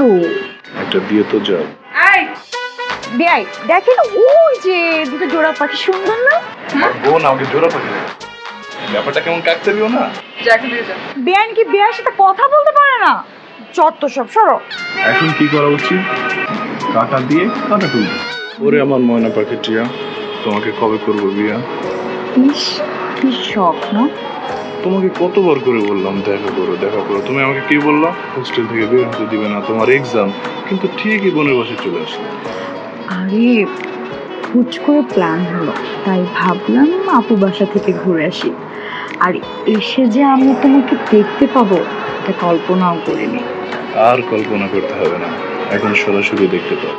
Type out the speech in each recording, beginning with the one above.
ছাড়ো। একটা দিয়ে তো যাও। বেআই দেখেন ওই যে দুটো জোড়া পাখি, সুন্দর না? আমার বোন আমাকে জোড়া পাখি ব্যাপারটা কেমন কাকতে দিও না। বেআইন কি বেআইয়ের সাথে কথা বলতে পারে না? যত সব সরো। এখন কি করা উচিত? কাটা দিয়ে কাটা তুলবে। ওরে আমার ময়না পাখি টিয়া, তোমাকে কবে করবো বিয়া? ইস কি শখ না? তোমাকে কতবার করে বললাম দেখা করো দেখা করো, তুমি আমাকে কি বললা? হোস্টেল থেকে বের হতে দিবে না, তোমার এক্সাম। কিন্তু ঠিকই বোনের বাসায় চলে আসলো। আরে হুট করে প্ল্যান হলো, তাই ভাবলাম আপু বাসা থেকে ঘুরে আসি। আর এসে যে আমি তোমাকে দেখতে পাবো এটা কল্পনাও করিনি। আর কল্পনা করতে হবে না, এখন সরাসরি দেখতে পাও।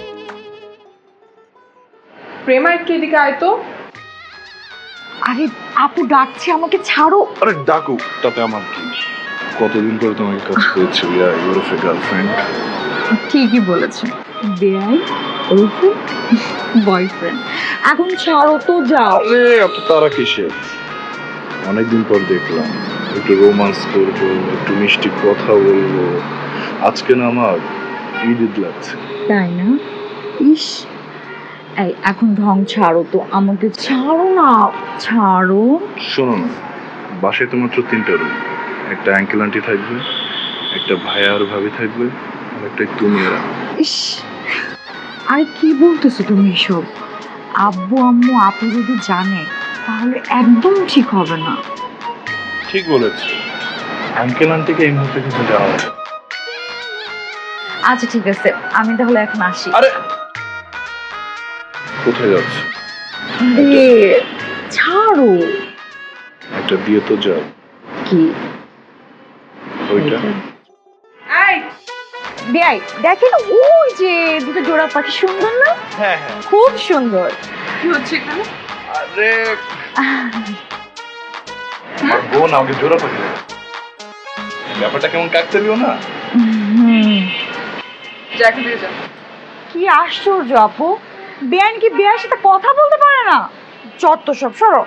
প্রেমা একটু এদিকে আয় তো। আরে আপু ডাকছে, আমাকে ছাড়ো। আরে ডাকুক, তাতে আমার কি? কতদিন পরে তোমাকে কাছে পেয়েছি, ইউর এ গার্লফ্রেন্ড। ঠিকই বলেছে, বেআই ওরফে বয়ফ্রেন্ড। এখন ছাড়ো তো, যাও। আরে এত তারা কিসে? অনেকদিন পর দেখলাম, একটু রোমান্স করবো, একটু মিষ্টি কথা বলবো। আজকে না আমার ঈদ লাগছে। তাই না? ইস এই এখন ঢং ছাড়ো তো, আমাকে ছাড়ো না, ছাড়ো। শোনো না, বাসায় তো মাত্র 3টা রুম। একটা আঙ্কেল আন্টি থাকবে, একটা ভাইয়া আর ভাবি থাকবে, আর একটা তুমি আর আমি। ইস আরে কি বলতেছো তুমি এসব? আব্বু আম্মু আপু যদি জানে তাহলে একদম ঠিক হবে না। ঠিক বলেছো, আঙ্কেল আন্টিকে এই মুহূর্তে কিছু জানাবো। আচ্ছা ঠিক আছে, আমি তাহলে এখন আসি। আরে কোথায় যাচ্ছ? আরে ছাড়ো। একটা দিয়ে তো যাও। কি ওইটা বেআই দেখেন ওই যে দুটো জোড়া পাখি, সুন্দর না? হ্যাঁ হ্যাঁ। খুব সুন্দর। কি হচ্ছে এখানে? আরে আমার বোন আমাকে জোড়া পাখি ব্যাপারটা কেমন কাকতে দিও না। জ্যাকে দিয়ে যা। কি আশ্চর্য আপু, বেআইন কি বেআইয়ের সাথে কথা বলতে পারে না? যত সব সরো।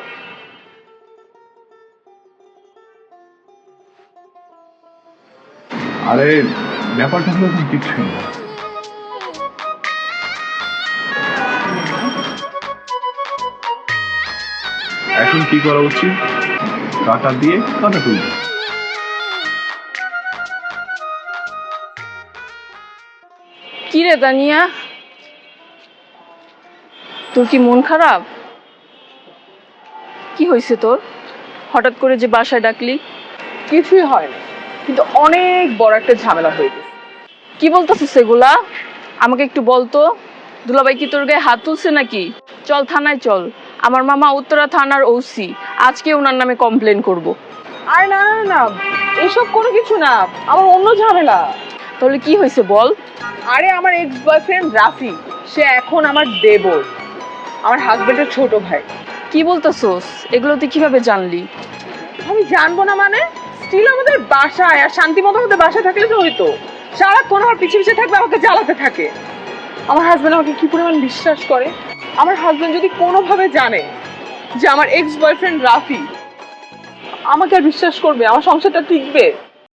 আরে ব্যাপারটা হলো এখন কিছু না। এখন কি করা উচিত? কাটা দিয়ে কাটা তুলবে। কি রে তানিয়া, তোর কি মন খারাপ? কি হয়েছে তোর? হঠাৎ করে যে বাসায় ডাকলি? কিছুই হয় না, কিন্তু অনেক বড় একটা ঝামেলা হয়ে গেছে। কি বলতেছিস সেগুলা? আমাকে একটু বলতো। দুলাভাই কি তোর গায়ে হাত তুলছে নাকি? চল থানায় চল, আমার মামা উত্তরা থানার ওসি, আজকে ওনার নামে কমপ্লেন করব। আরে না না না, এসব কোনো কিছু না, আমার অন্য ঝামেলা। তাহলে কি হয়েছে বল? আরে আমার এক্স বয়ফ্রেন্ড রাফি, সে এখন আমার দেবর, আমার হাজবেন্ডের ছোট ভাই। কি বলতেছস? এগুলো তুই কিভাবে জানলি? আমি জানবো না মানে? স্টিল আমাদের বাসায়, আর শান্তি মতো আমাদের বাসায় থাকলে তো হইতো। সারাক্ষণ আমার পিছিয়ে পিছিয়ে থাকবে, আমাকে জ্বালাতে থাকে। আমার হাজবেন্ড আমাকে কি পরিমাণ বিশ্বাস করে। আমার হাজবেন্ড যদি কোনোভাবে জানে যে আমার এক্স বয়ফ্রেন্ড রাফি, আমাকে আর বিশ্বাস করবে? আমার সংসারটা টিকবে?